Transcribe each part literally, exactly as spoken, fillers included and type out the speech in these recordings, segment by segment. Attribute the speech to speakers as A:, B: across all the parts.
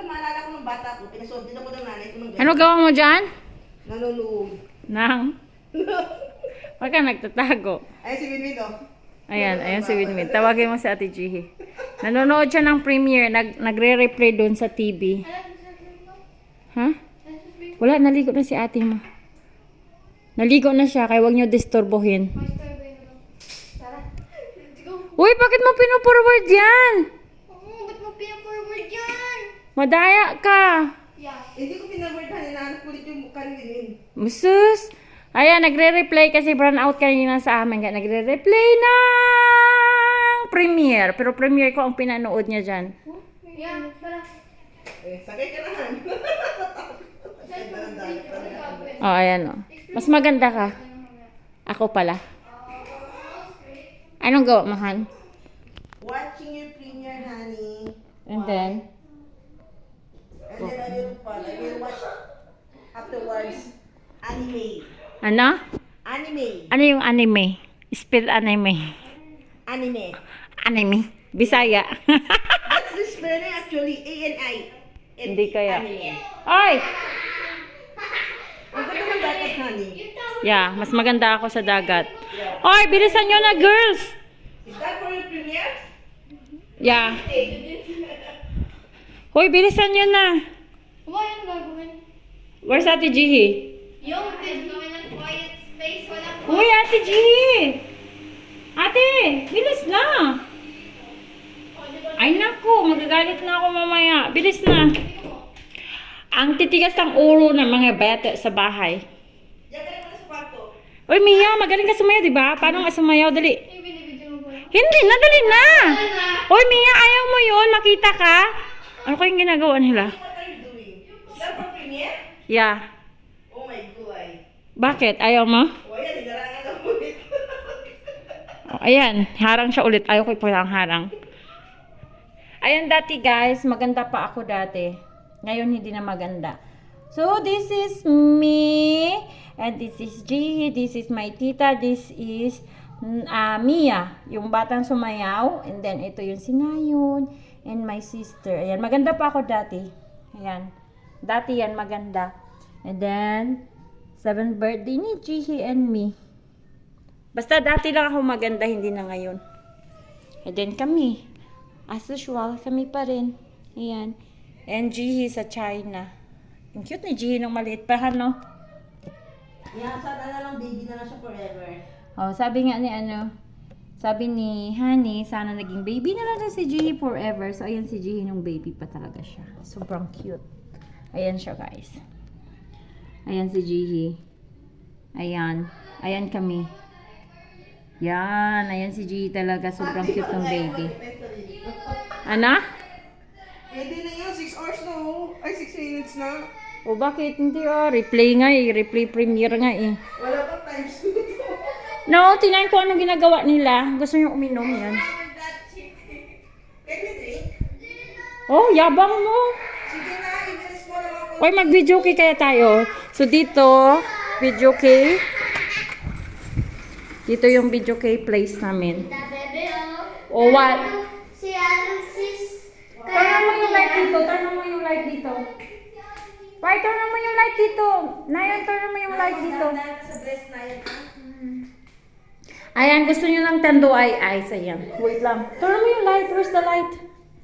A: maalala ko ng bata ko, pinasuot din ako ng nanay ko ng ganyan.
B: Ano gawa mo dyan?
A: Nanonood.
B: Nang? Huwag ka nagtatago.
A: Ay, si Winwin, oh.
B: Ayan, ayan si Winwin. Tawagin mo si Ate Jihi. Nanonood siya ng premiere. Nag, nagre-replay doon sa T V. Ha? Wala, naligo na si ate mo. Naligo na siya, kaya huwag niyo disturbohin. Uy, bakit mo pinu-forward yan?
C: Oo, ba't mo pinaforward yan?
B: Madaya ka.
C: Yeah.
A: Hindi ko pinaword na, hinahanap ko ulit yung mukha ni Winwin.
B: Musus. Ayan, nagre-replay kasi brown out kanina sa amin. Kaya nagre-replay ng premiere. Pero premiere ko ang pinanood niya dyan.
C: Yeah, tara.
A: Eh, sakay ka naman.
B: Oh, ayan oh. Mas maganda ka. Ako pala. Anong gawa mo, Han?
A: Watching your premiere, honey.
B: And then?
A: And then I will, I will watch afterwards anime.
B: Ano?
A: Anime.
B: Ano yung anime? Spell anime.
A: Anime.
B: Anime. Bisaya.
A: That's the spelling actually. A N I.
B: Hindi kaya.
A: Anime.
B: Oy!
A: Ang ganda ng dagat, honey.
B: Yeah, mas maganda ako sa dagat. Oy, bilisan nyo na, girls!
A: Is that for your premiere?
B: Yeah. Hoy, bilisan nyo na.
C: Kumain ang gagawin.
B: Where's Ate Jihi?
C: Yung gagawin ng quiet space, walang
B: Hoy, Ate Jihi! Ate, bilis na! Ay naku, magagalit na ako mamaya. Bilis na. Ang titigas ng ulo ng mga bata sa bahay.
A: Diyan ka naman sa kwarto.
B: Uy, Mia, magaling ka sumayaw, di ba? Paano nga sumayaw? Dali.
C: yung binibidyo mo ba?
B: Hindi na, dali na! Uy, Mia, ayaw mo yun? Makita ka? Ano kayong ginagawa nila?
A: What are you doing? Is that for premiere?
B: Yeah.
A: Oh my God.
B: Bakit? Ayaw mo?
A: O yan, hinarangan na ulit.
B: Oh, ayan, harang siya ulit. Ayaw ko palang harang. Ayan dati guys, maganda pa ako dati. Ngayon hindi na maganda. So this is me. And this is Jihi. This is my tita. This is uh, Mia. Yung batang sumayaw. And then ito yung sinayon. And my sister. Ayan, maganda pa ako dati. Ayan. Dati yan maganda. And then, seventh birthday ni Jihi and me. Basta dati lang ako maganda, hindi na ngayon. And then kami, as usual, kami pa rin. Ayan. And Jihi sa China. Ang cute ni Jihi nung maliit pa, no?
A: Yeah, sana na lang baby na lang siya forever.
B: Oh, sabi nga ni ano, sabi ni Honey, sana naging baby na lang si Jihi forever. So, ayan si Jihi nung baby pa talaga siya. Sobrang cute. Ayan siya, guys. Ayan si Jihi. Ayan. Ayan kami. Yan. Ayan si Jihi talaga. Sobrang cute ng baby. Ana?
A: Pwede na yun, six hours na oh. Ay, six minutes na.
B: O bakit? Hindi oh. Replay nga eh. Replay premiere nga eh.
A: Wala pa times.
B: No, tinayin ko anong ginagawa nila. Gusto nyo uminom yan.
A: Can we drink?
B: Oh, yabang mo.
A: Sige na, i-miss mo lang ako.
B: Hoy, mag-video kay kaya tayo. So dito, video kay. Dito yung video kay place namin.
C: Da bebe, oh.
B: O what?
C: Si Alexis.
B: Turn mo yung light dito. Turn mo yung light dito. Why, turn mo yung light dito. Nayan, turn mo yung light dito.
A: Dahil sa dress na yan, ha?
B: Ayan, gusto nyo ng tando ay eyes. Ayan. Wait lang. Turn mo yung light. Where's the light?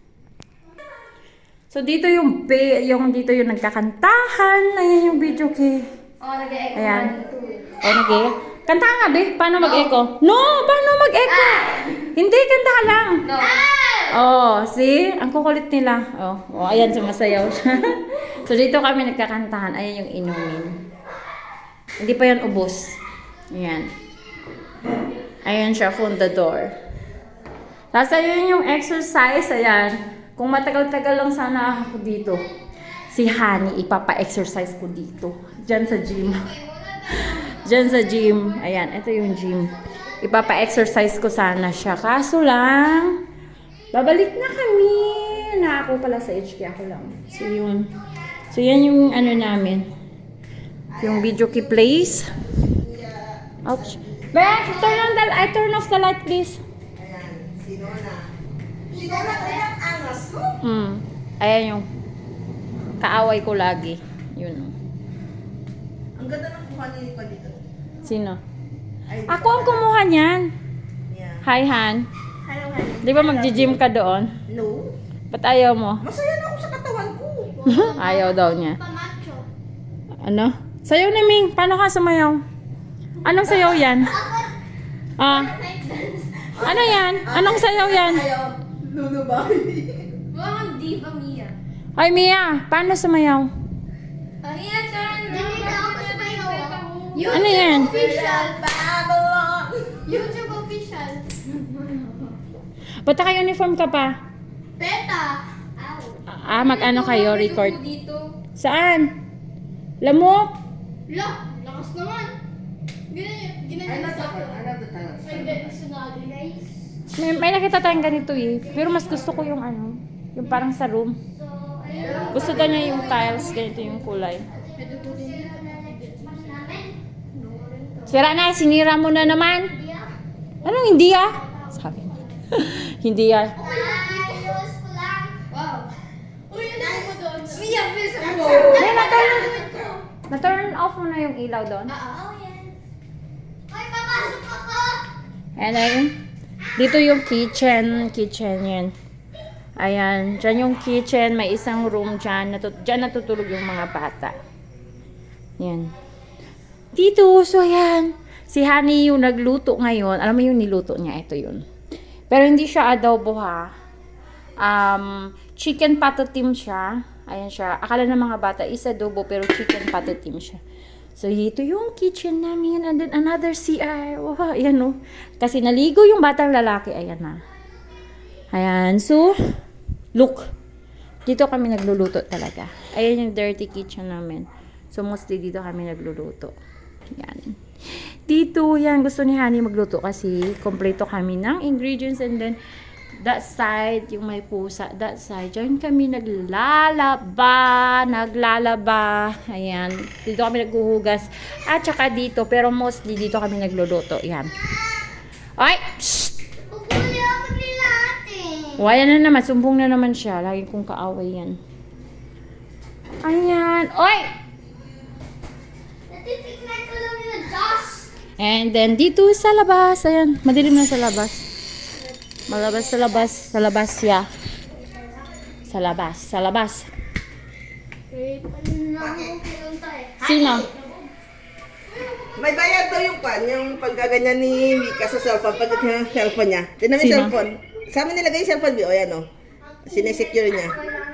B: So, dito yung, be, yung dito yung nagkakantahan. Ayan yung video kay.
C: Oh, nag-e-echo.
B: Ayan. O, nag-e. Kanta nga, be. Paano mag-echo? No! Paano mag-echo? Hindi, kanta ka lang.
C: No.
B: Oh, see? Ang kukulit nila. Oh, oh ayan, sumasayaw siya. So, dito kami nagkakantahan. Ayan yung inumin. Hindi pa yan ubos. Ayan. Ayan siya, fundador. Tapos, ayun yung exercise. Ayan. Kung matagal-tagal lang sana ako dito, si Honey, ipapa-exercise ko dito. Diyan sa gym. Diyan sa gym. Ayan, ito yung gym. Ipapa-exercise ko sana siya. Kaso lang, babalik na kami. Na ako pala sa H K, ako lang. So, yun. So, yan yung ano namin. Yung video key place. Ouch. Bex, turn on the, I turn off the light, please.
A: Ayan, sino na? Sino na kaya ang angas mo?
B: Hmm. Ayan yung. kaaway ko lagi. Yun. oh.
A: Ang ganda ng kuha ni Nico dito.
B: Sino?
A: Ay,
B: Ako ang kumuha niyan.
A: Yeah.
B: Hi, Han.
A: Hello, honey.
B: Di ba mag-gym ka doon?
A: No.
B: Ba't ayaw mo?
A: Masaya na ako sa katawan ko.
B: Ayaw daw niya.
C: Pamacho.
B: Ano? Sayaw ni Ming. Paano ka sumayaw? Anong sayaw yan? Ah,
C: Night dance.
B: ano yan? Anong sayaw yan?
A: Ayaw. Lulubay.
C: Wow, diva Mia.
B: Ay, Mia, paano sumayaw?
C: Mia, turn. Dili na ako sa bayo.
B: Ano yan?
C: Official.
A: Babylon.
C: YouTube official.
B: Ba't naka-uniform ka pa?
C: Beta.
B: Ah, mag-ano kayo, record?
C: Dito.
B: Saan? Lamok?
C: La, lakas naman. Ganyan,
A: I
C: ganyan
A: love
C: sa
A: the
C: akin.
A: I love the tunnel.
C: Ay, ganyan sunali, guys.
B: May, may nakita tayong ganito eh. Pero mas gusto ko yung ano, yung parang sa room.
C: So, ayun.
B: Gusto daw niya yung tiles, ganito yung kulay.
C: Pwede po din dito. Namin?
B: Sira na, sinira mo na naman. Anong hindi ah? Sabi niya. Hindi ah.
C: Ayos ko lang. Wow. Uy, ano mo doon? Mia, please.
B: May na-turn, na-turn off mo na yung ilaw doon.
C: Oh, yan. Ay, papasok ako.
B: And then, dito yung kitchen. Kitchen yan. Ayan. Dyan yung kitchen. May isang room dyan. Natut dyan natutulog yung mga bata. Yan. Dito. So, ayan. Si Honey yung nagluto ngayon. Alam mo yung niluto niya. Ito yun. Pero hindi siya adobo ha. Um, chicken patatim siya. Ayan siya. Akala ng mga bata is adobo pero chicken patatim siya. So, ito yung kitchen namin. And then, another C R. Wow, ayan o. Kasi naligo yung batang lalaki. Ayan na. Ayan. So, look. Dito kami nagluluto talaga. Ayan yung dirty kitchen namin. So, mostly dito kami nagluluto. Ayan. Dito, yan. Gusto ni Honey magluto kasi kompleto kami ng ingredients. And then, that side, yung may pusa, that side, dyan kami naglalaba, naglalaba, ayan, dito kami naghuhugas, at saka dito, pero mostly dito kami nagluluto, yan. Ay! Shh!
C: Pupuli ako nila ate.
B: Wala na naman, sumbong na naman siya, lagi kong kaaway yan. Ayan, oy!
C: Natitignan ko lang yung Josh.
B: And then, dito sa labas, ayan, madilim na sa labas. Malabas sa labas, sa labas ya. Sa labas, sa labas.
C: Wait, ano na ako pinunta eh.
B: Sino?
A: May bayad daw yung pan, yung pagkaganyan ni Mika sa cellphone, pag yung cellphone niya. Tinan mo yung
B: Sino?
A: cellphone. Sa amin nilagay yung cellphone, o yan o. Sinesecure niya.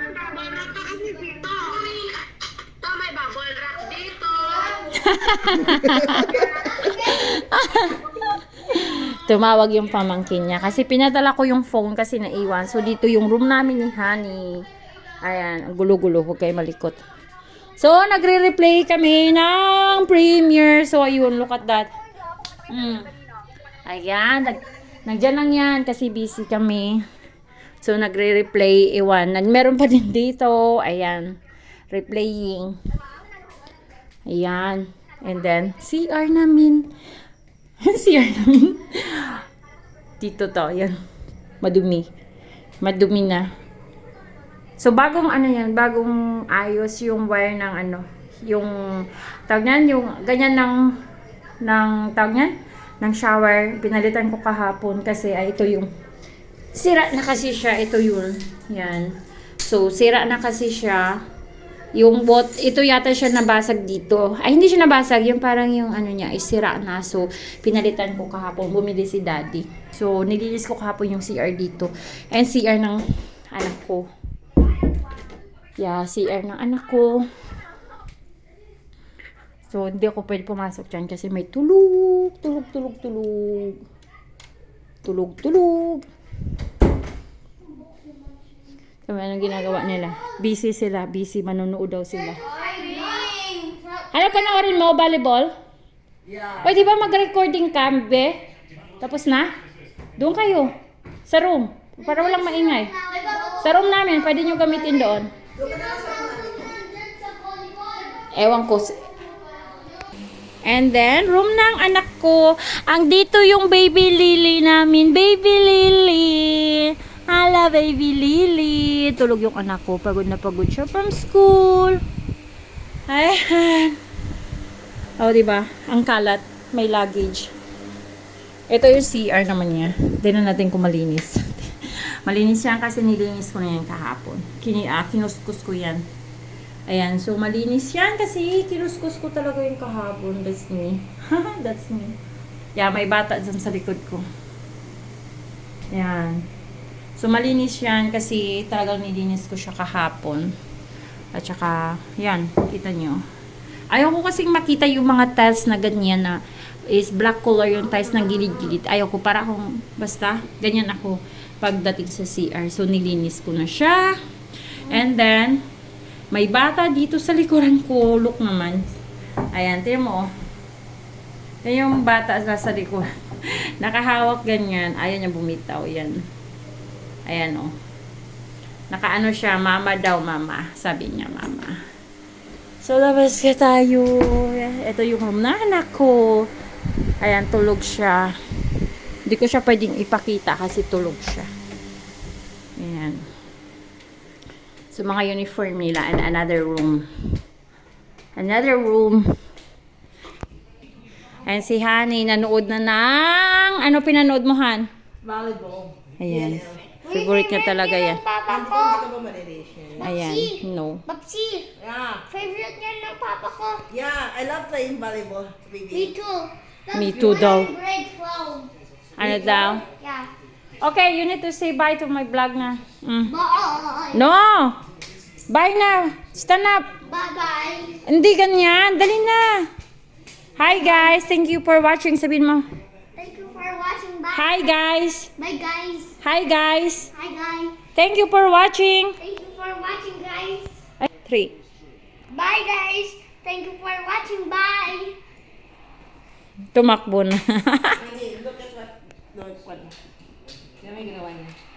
B: Tumawag yung pamangkin niya. Kasi pinadala ko yung phone kasi naiwan. So, dito yung room namin ni Honey. Ayan, ang gulo-gulo. Huwag kayo malikot. So, nagre-replay kami ng premiere. So, ayun, look at that. Mm. Ayan, nag nagdyan lang yan kasi busy kami. So, nagre-replay. Iwan. Nag meron pa din dito. Ayan, replaying. Ayan. And then, C R namin. C R namin. Dito to, yan. Madumi. Madumi na. So, bagong ano yan, bagong ayos yung wire ng ano, yung, tawag niyan, yung, ganyan ng, ng, tawag niyan, ng shower. Pinalitan ko kahapon kasi, ay, ito yung, sira na kasi siya, ito yun. Yan. So, sira na kasi siya. Yung bot, ito yata siya nabasag dito. Ay, hindi siya nabasag. Yung parang yung ano niya, isira na. So, pinalitan ko kahapon. Bumili si daddy. So, nilinis ko kahapon yung C R dito. And C R ng anak ko. Yeah, C R ng anak ko. So, hindi ako pwede pumasok dyan kasi may tulog. Tulog, tulog, tulog. Tulog, tulog. So, anong ginagawa nila? Busy sila. Busy. Manunood daw sila. Ano panoorin mo? Volleyball?
A: Yeah.
B: O, di ba mag-recording ka, be? Tapos na? Doon kayo. Sa room. Para walang maingay. Sa room namin. Pwede nyo gamitin doon. Ewan ko. And then, room ng anak ko. Ang dito yung baby Lily namin. Baby Lily. Hala, baby Lily. Tulog yung anak ko. Pagod na pagod siya from school. Ayan. O, oh, diba? Ang kalat. May luggage. Ito yung C R naman niya. Tignan natin kung malinis. Malinis yan kasi nilinis ko na yan kahapon. Kini, ah, kinuskus ko yan. Ayan. So, malinis yan kasi kinuskus ko talaga yung kahapon. That's me. That's me. Yeah, may bata dyan sa likod ko. Ayan. So, malinis yan kasi talagang nilinis ko siya kahapon. At saka, yan, kita nyo. Ayaw ko kasing makita yung mga tiles na ganyan na is black color yung tiles ng gilid-gilid. Ayaw ko, para akong, basta, ganyan ako pagdating sa C R. So, nilinis ko na siya. And then, may bata dito sa likuran ko. Look naman. Ayan, tingnan mo. Yan yung bata sa likuran. Nakahawak ganyan. Ayaw niya bumitaw. Yan. Ayan o. Oh. Nakaano siya, mama daw, mama. Sabi niya, mama. So, labas ka tayo. Ito yung room na anak ko. Ayan, tulog siya. Hindi ko siya pwedeng ipakita kasi tulog siya. Ayan. So, mga uniform nila. And another room. Another room. And si Honey, nanood na ng... Ano pinanood mo, Han?
A: Volleyball.
B: Ayan. Favorite niya talaga yan.
A: Hindi ka ba malilation?
B: Ayan. No.
C: Babsi,
A: Yeah.
C: favorite niya ng papa ko.
A: Yeah, I love playing volleyball,
C: Me
A: baby.
C: too.
B: Me too daw.
C: Grade twelve.
B: Ano daw?
C: Yeah.
B: Okay, you need to say bye to my vlog na. Mm.
C: Bye.
B: No! Bye na! Stand up!
C: Bye-bye.
B: Hindi ganyan. Dali na! Hi guys! Thank you for watching. Sabihin mo.
C: Thank you for watching. Bye.
B: Hi guys!
C: Bye, guys.
B: Hi guys!
C: Hi, guys.
B: Thank you for watching.
C: Thank you for watching, guys.
B: Ay, three.
C: Bye, guys. Thank you for watching. Bye.
B: Tumakbo na.
A: Honey, look at what... Look what... Yan may ginawa niya.